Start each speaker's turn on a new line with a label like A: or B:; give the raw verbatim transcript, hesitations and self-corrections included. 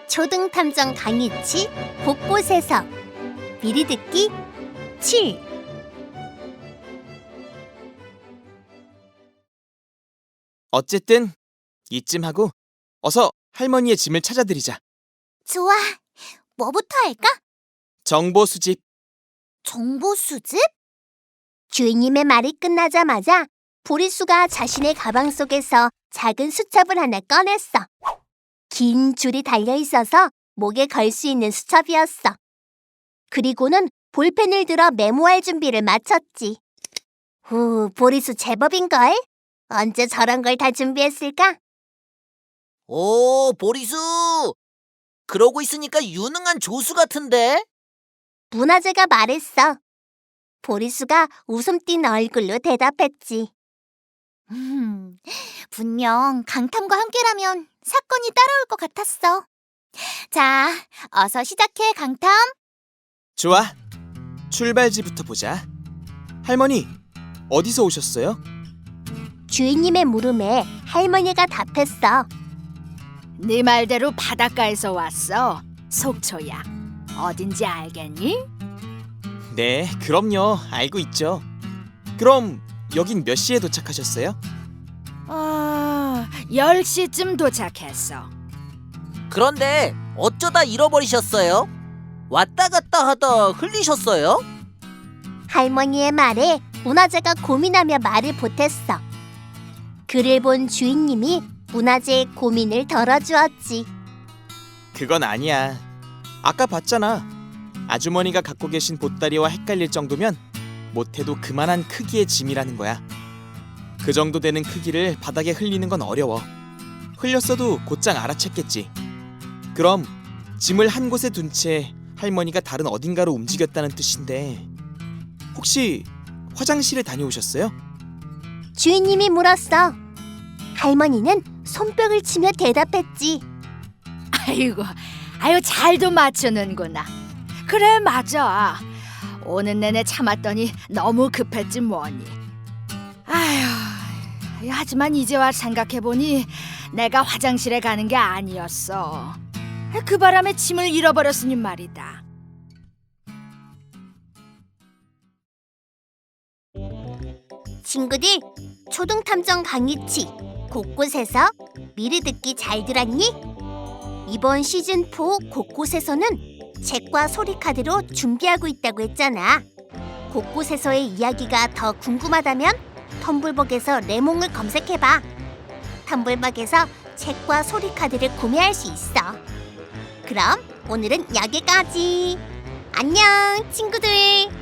A: 초등탐정 강희치 곳곳에서 미리 듣기 칠.
B: 어쨌든 이쯤 하고 어서 할머니의 짐을 찾아드리자.
A: 좋아. 뭐부터 할까?
B: 정보 수집.
A: 정보 수집? 주인님의 말이 끝나자마자 보리수가 자신의 가방 속에서 작은 수첩을 하나 꺼냈어. 긴 줄이 달려있어서 목에 걸 수 있는 수첩이었어. 그리고는 볼펜을 들어 메모할 준비를 마쳤지. 후, 보리수 제법인걸? 언제 저런 걸 다 준비했을까?
C: 오, 보리수! 그러고 있으니까 유능한 조수 같은데?
A: 문화재가 말했어. 보리수가 웃음 띤 얼굴로 대답했지. 음, 분명 강탐과 함께라면 사건이 따라올 것 같았어. 자, 어서 시작해, 강탐.
B: 좋아. 출발지부터 보자. 할머니, 어디서 오셨어요?
A: 주인님의 물음에 할머니가 답했어.
D: 네 말대로 바닷가에서 왔어. 속초야. 어딘지 알겠니?
B: 네, 그럼요. 알고 있죠. 그럼 여긴 몇 시에 도착하셨어요?
D: 아, 열 시쯤 도착했어.
C: 그런데 어쩌다 잃어버리셨어요? 왔다 갔다 하다 흘리셨어요?
A: 할머니의 말에 문화재가 고민하며 말을 보탰어. 그를 본 주인님이 문화재의 고민을 덜어주었지.
B: 그건 아니야. 아까 봤잖아. 아주머니가 갖고 계신 보따리와 헷갈릴 정도면 못해도 그만한 크기의 짐이라는 거야. 그 정도 되는 크기를 바닥에 흘리는 건 어려워. 흘렸어도 곧장 알아챘겠지. 그럼 짐을 한 곳에 둔 채 할머니가 다른 어딘가로 움직였다는 뜻인데 혹시 화장실에 다녀오셨어요?
A: 주인님이 물었어. 할머니는 손뼉을 치며 대답했지.
D: 아이고, 아유 잘도 맞추는구나. 그래, 맞아. 오는 내내 참았더니 너무 급했지 뭐니. 아휴, 하지만 이제 와 생각해보니 내가 화장실에 가는 게 아니었어. 그 바람에 짐을 잃어버렸으니 말이다.
A: 친구들, 초등탐정 강희치 곳곳에서 미리 듣기 잘 들었니? 이번 시즌 사 곳곳에서는 책과 소리카드로 준비하고 있다고 했잖아. 곳곳에서의 이야기가 더 궁금하다면 텀블벅에서 레몽을 검색해봐. 텀블벅에서 책과 소리카드를 구매할 수 있어. 그럼 오늘은 여기까지. 안녕, 친구들.